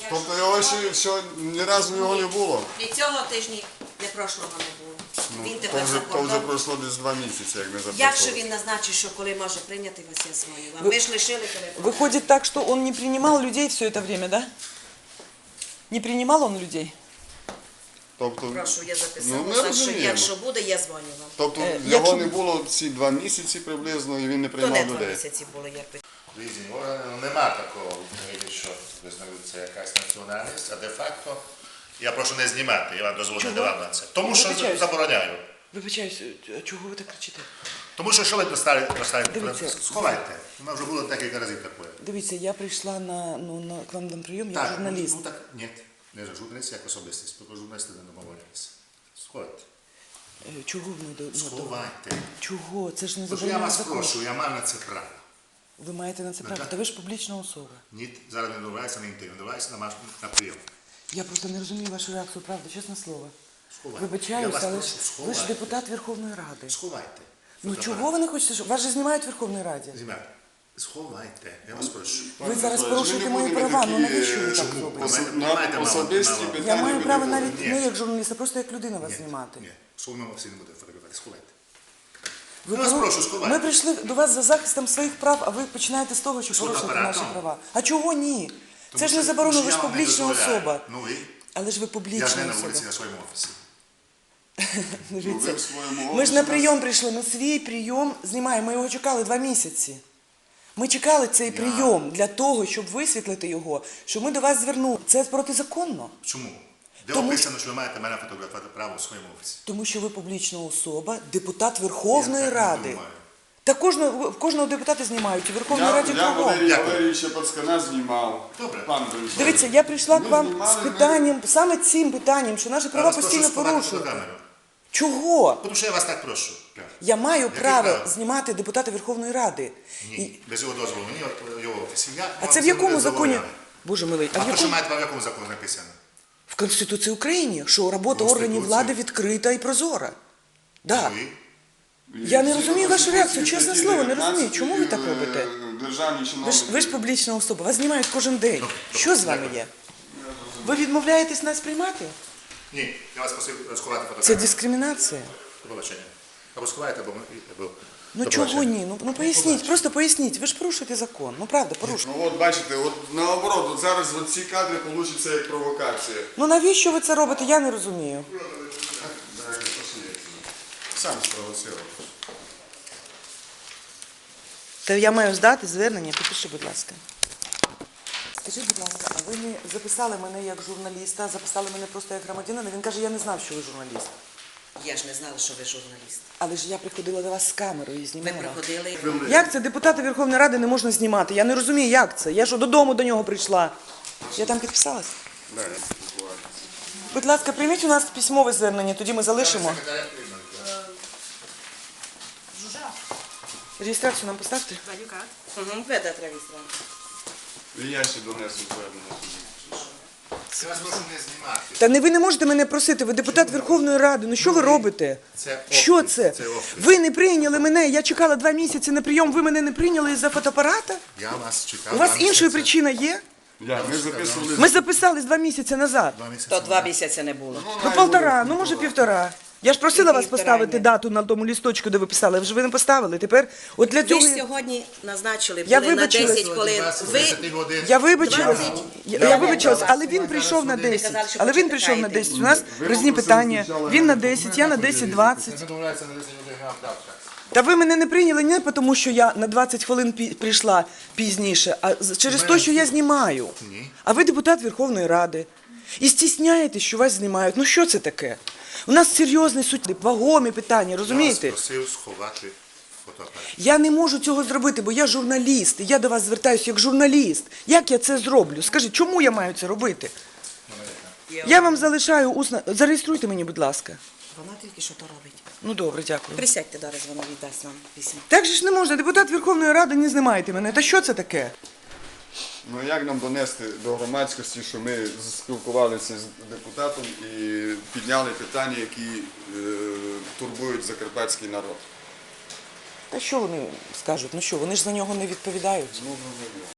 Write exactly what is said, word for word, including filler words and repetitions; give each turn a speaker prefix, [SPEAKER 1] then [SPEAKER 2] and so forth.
[SPEAKER 1] Тобто його ще, ще ні разу його не було?
[SPEAKER 2] І цього тижні, не прошлого не було.
[SPEAKER 1] Ну,
[SPEAKER 2] Він
[SPEAKER 1] то,
[SPEAKER 2] тепер
[SPEAKER 1] вже,
[SPEAKER 2] за
[SPEAKER 1] то вже
[SPEAKER 2] кордон.
[SPEAKER 1] пройшло десь два місяці, як не записував.
[SPEAKER 2] Якщо він назначить, що коли може прийняти вас, я дзвоню вам. Ви ж лишили телефон.
[SPEAKER 3] Выходит так, что он не принимал людей все это время, да? Не принимал он людей?
[SPEAKER 1] Тобто,
[SPEAKER 2] Прошу, я
[SPEAKER 1] ну,
[SPEAKER 2] записала,
[SPEAKER 1] ми
[SPEAKER 2] що
[SPEAKER 1] розуміємо.
[SPEAKER 2] якщо буде, я дзвоню вам.
[SPEAKER 1] Тобто
[SPEAKER 3] Е,
[SPEAKER 1] його
[SPEAKER 3] якщо-
[SPEAKER 1] не було ці два місяці приблизно, і він не
[SPEAKER 2] То
[SPEAKER 1] приймав
[SPEAKER 2] не два
[SPEAKER 1] людей.
[SPEAKER 2] місяці було, як ви.
[SPEAKER 4] Різні органи, ну, нема такого в Україні, що визнаються якась національність, а де-факто я прошу не знімати, я вам дозволю не давав на це. Тому що
[SPEAKER 3] Вибачаюсь.
[SPEAKER 4] забороняю.
[SPEAKER 3] Вибачаюсь, а чого ви так кричите?
[SPEAKER 4] Тому що що ви достали, достали
[SPEAKER 3] Дивіться.
[SPEAKER 4] сховайте. У нас вже було декілька разів таке.
[SPEAKER 3] Дивіться, я прийшла на, ну, на, к вам на прийом, я
[SPEAKER 4] Так,
[SPEAKER 3] журналіст.
[SPEAKER 4] ну так, ні, не журналіст, як особистість, тільки журналісти не домовляються. Сховайте.
[SPEAKER 3] Е, Чого ви не до... ну,
[SPEAKER 4] Сховайте.
[SPEAKER 3] Чого? Це ж не
[SPEAKER 4] Тому що я
[SPEAKER 3] заборонено
[SPEAKER 4] вас
[SPEAKER 3] законом.
[SPEAKER 4] прошу, я маю на це право.
[SPEAKER 3] Ви маєте на це право.
[SPEAKER 4] так.
[SPEAKER 3] Та ви ж публічна особа.
[SPEAKER 4] Ні, зараз не домовляюся на інтерв'ю, домовляюся на, маш- на прийом.
[SPEAKER 3] Я просто не розумію вашу реакцію, правда, чесне слово.
[SPEAKER 4] Сховайте. Я
[SPEAKER 3] Вибачаюсь,
[SPEAKER 4] вас
[SPEAKER 3] але ж
[SPEAKER 4] прошу,
[SPEAKER 3] ви ж
[SPEAKER 4] сховайте.
[SPEAKER 3] депутат Верховної Ради.
[SPEAKER 4] Сховайте.
[SPEAKER 3] Ну
[SPEAKER 4] Фотоапарат.
[SPEAKER 3] чого ви не хочете, щоб... Вас же знімають в Верховній Раді.
[SPEAKER 4] Знімайте. Сховайте, я вас прошу.
[SPEAKER 3] Ви зараз
[SPEAKER 1] Ми
[SPEAKER 3] порушуєте
[SPEAKER 1] не
[SPEAKER 3] мої
[SPEAKER 1] будемо
[SPEAKER 3] права, ну
[SPEAKER 1] такі,
[SPEAKER 3] навіщо ви
[SPEAKER 1] е,
[SPEAKER 3] так
[SPEAKER 4] чому?
[SPEAKER 3] робите?
[SPEAKER 1] осо-
[SPEAKER 4] Ви маєте
[SPEAKER 1] на
[SPEAKER 4] мало-
[SPEAKER 1] особисті
[SPEAKER 4] мало.
[SPEAKER 1] питання.
[SPEAKER 3] Я маю
[SPEAKER 1] ви
[SPEAKER 3] право
[SPEAKER 1] не
[SPEAKER 3] навіть
[SPEAKER 1] говорите.
[SPEAKER 3] не як журналіст, а просто як людина вас
[SPEAKER 4] Ні,
[SPEAKER 3] знімати.
[SPEAKER 4] Ні, сумно всі не буде фотографувати, сховайте.
[SPEAKER 3] Ви
[SPEAKER 4] Я вас
[SPEAKER 3] пору-
[SPEAKER 4] прошу, сховайте.
[SPEAKER 3] Ми прийшли до вас за захистом своїх прав, а ви починаєте з того, що
[SPEAKER 4] З
[SPEAKER 3] порушуєте
[SPEAKER 4] фотоапаратом.
[SPEAKER 3] наші права. А чого ні?
[SPEAKER 4] Тому
[SPEAKER 3] Це ж не
[SPEAKER 4] що-
[SPEAKER 3] заборонено,
[SPEAKER 4] тому
[SPEAKER 3] ви
[SPEAKER 4] що
[SPEAKER 3] ж
[SPEAKER 4] я вам не
[SPEAKER 3] публічна
[SPEAKER 4] дозволяю.
[SPEAKER 3] особа.
[SPEAKER 4] Ну і?
[SPEAKER 3] Але ж ви
[SPEAKER 4] Я ж
[SPEAKER 3] публічна
[SPEAKER 4] не на
[SPEAKER 3] особа.
[SPEAKER 4] вулиці, на своєму офісі.
[SPEAKER 1] Ну, ви в своєму
[SPEAKER 3] Ми ж на
[SPEAKER 1] офісі
[SPEAKER 3] прийом прийшли, ми свій прийом знімаємо, ми його чекали два місяці. Ми чекали цей прийом для того, щоб висвітлити його, щоб ми до вас звернули. Це протизаконно,
[SPEAKER 4] Чому? Де
[SPEAKER 3] Тому
[SPEAKER 4] описано, що ви маєте мене фотографувати право у своєму офісі?
[SPEAKER 3] тому що ви публічна особа, депутат Верховної
[SPEAKER 4] Я так не
[SPEAKER 3] Ради.
[SPEAKER 4] думаю.
[SPEAKER 3] Та кожного, кожного депутата знімають, у Верховній
[SPEAKER 1] Я,
[SPEAKER 3] Раді
[SPEAKER 1] я
[SPEAKER 3] кругом.
[SPEAKER 1] Валерій
[SPEAKER 4] Дякую.
[SPEAKER 1] Валерійовича Пацкана знімав.
[SPEAKER 4] Добре.
[SPEAKER 1] Пан Борисович.
[SPEAKER 3] Дивіться, я прийшла
[SPEAKER 1] Ми
[SPEAKER 3] к вам
[SPEAKER 1] знімали,
[SPEAKER 3] з
[SPEAKER 1] ми-
[SPEAKER 3] питанням, саме цим питанням, що наші
[SPEAKER 4] Я
[SPEAKER 3] права
[SPEAKER 4] вас прошу
[SPEAKER 3] постійно
[SPEAKER 4] сховати
[SPEAKER 3] порушують.
[SPEAKER 4] фотокамеру.
[SPEAKER 3] Чого?
[SPEAKER 4] Тому що я вас так прошу.
[SPEAKER 3] Я маю
[SPEAKER 4] Яке
[SPEAKER 3] право
[SPEAKER 4] право?
[SPEAKER 3] знімати депутата Верховної Ради. І-
[SPEAKER 4] Ні, без його дозволу. Мені от його офісі. Я
[SPEAKER 3] А
[SPEAKER 4] вам
[SPEAKER 3] це в
[SPEAKER 4] не
[SPEAKER 3] якому законі?
[SPEAKER 4] забороняю.
[SPEAKER 3] Боже милий, а
[SPEAKER 4] А
[SPEAKER 3] в
[SPEAKER 4] то, що
[SPEAKER 3] якому?
[SPEAKER 4] маєте право, в якому законі написано?
[SPEAKER 3] В Конституції України, що робота
[SPEAKER 4] Конституції.
[SPEAKER 3] органів влади відкрита і прозора. Да.
[SPEAKER 4] Ну і?
[SPEAKER 3] Я не
[SPEAKER 1] Згідно
[SPEAKER 3] розумію вашу
[SPEAKER 1] Конституції
[SPEAKER 3] реакцію, чесне
[SPEAKER 1] статті
[SPEAKER 3] слово, не
[SPEAKER 1] дев'ятнадцять,
[SPEAKER 3] розумію. Чому ви так
[SPEAKER 1] е,
[SPEAKER 3] робите?
[SPEAKER 1] Державні
[SPEAKER 3] Ви ж,
[SPEAKER 1] чиновники.
[SPEAKER 3] ви ж публічна особа, вас знімають кожен день. Що з вами є? Ви відмовляєтесь нас приймати?
[SPEAKER 4] Ні, я вас просив сховати
[SPEAKER 3] Це
[SPEAKER 4] фотокамеру.
[SPEAKER 3] дискримінація.
[SPEAKER 4] До побачення. Або сховайте, або... або-
[SPEAKER 3] Ну
[SPEAKER 4] до
[SPEAKER 3] чого
[SPEAKER 4] побачення.
[SPEAKER 3] ні? Ну, ну поясніть, просто поясніть. Ви ж порушуєте закон. Ну правда, порушуєте.
[SPEAKER 1] Ну от бачите, от наоборот, от зараз от ці кадри получаться як провокація.
[SPEAKER 3] Ну навіщо ви це робите? Я не розумію.
[SPEAKER 1] Сам спровоцировав.
[SPEAKER 3] Та я маю здати звернення, підпиши, будь ласка. Скажіть, будь ласка, а ви не записали мене як журналіста, а записали мене просто як громадянина? Він каже, я не знав, що ви журналіст.
[SPEAKER 2] Я ж не знала, що ви журналіст.
[SPEAKER 3] Але ж я приходила до вас з камерою і
[SPEAKER 2] Ви
[SPEAKER 3] знімала.
[SPEAKER 2] приходили.
[SPEAKER 3] Як це депутата Верховної Ради не можна знімати? Я не розумію, як це. Я що, додому до нього прийшла? Я там підписалась?
[SPEAKER 1] Да, я спілкуваюся.
[SPEAKER 3] Будь ласка, прийміть у нас письмове звернення, тоді ми залишимо. Реєстрацію нам поставте.
[SPEAKER 2] Угу, веде реєстрацію.
[SPEAKER 1] І я ще донесу звернення.
[SPEAKER 4] Я вас прошу не знімати.
[SPEAKER 3] Та не ви не можете мене просити, ви депутат Верховної Ради. Ну що ви робите?
[SPEAKER 4] Це офіс,
[SPEAKER 3] Що це?
[SPEAKER 4] це офіс.
[SPEAKER 3] Ви не прийняли мене, я чекала два місяці на прийом, ви мене не прийняли із-за фотоапарата?
[SPEAKER 4] Я вас чекав.
[SPEAKER 3] У вас
[SPEAKER 4] два
[SPEAKER 3] іншої
[SPEAKER 4] місяці.
[SPEAKER 3] причини є?
[SPEAKER 1] Я, ми записували.
[SPEAKER 3] Ми записались два місяці назад.
[SPEAKER 4] Два місяці.
[SPEAKER 2] То два місяці не було.
[SPEAKER 3] Ну полтора, ну може півтора. Я ж просила вас
[SPEAKER 2] Півтора,
[SPEAKER 3] поставити
[SPEAKER 2] ні.
[SPEAKER 3] дату на тому лісточку, де ви писали, вже ви не поставили. Тепер, от для
[SPEAKER 2] Ви
[SPEAKER 3] цього...
[SPEAKER 2] ж сьогодні назначили
[SPEAKER 3] Я
[SPEAKER 2] були на
[SPEAKER 3] вибачилась.
[SPEAKER 2] десять хвилин. Ви
[SPEAKER 4] двадцять годин.
[SPEAKER 3] Я вибачилась,
[SPEAKER 2] двадцять.
[SPEAKER 3] я, я вибачилась, але він прийшов на
[SPEAKER 2] Ви казали,
[SPEAKER 3] десять.
[SPEAKER 2] що
[SPEAKER 3] Але він прийшов на десять. У нас різні питання. Він на десять, я на десять двадцять.
[SPEAKER 4] Ми домовляємося на десять годин, я вам дав час.
[SPEAKER 3] Та ви мене не прийняли не тому, що я на двадцять хвилин пі- прийшла пізніше, а з- через те, що я знімаю.
[SPEAKER 4] Ні.
[SPEAKER 3] А ви депутат Верховної Ради. І стісняєтесь, що вас знімають. Ну що це таке? У нас серйозний суд, вагомі питання, розумієте?
[SPEAKER 4] Я вас просив сховати фотоапарат.
[SPEAKER 3] Я не можу цього зробити, бо я журналіст, і я до вас звертаюся як журналіст. Як я це зроблю? Скажіть, чому я маю це робити? Я вам залишаю усно. Зареєструйте мені, будь ласка.
[SPEAKER 2] Вона тільки що то робить.
[SPEAKER 3] Ну добре, дякую.
[SPEAKER 2] Присядьте, зараз вона віддасть вам письмо.
[SPEAKER 3] Так же ж не можна, депутат Верховної Ради, не знімайте мене. Та що це таке?
[SPEAKER 1] Ну як нам донести до громадськості, що ми спілкувалися з депутатом і підняли питання, які е, турбують закарпатський народ?
[SPEAKER 3] Та що вони скажуть? Ну що, вони ж за нього не відповідають.
[SPEAKER 1] Ну, ну, ну, ну.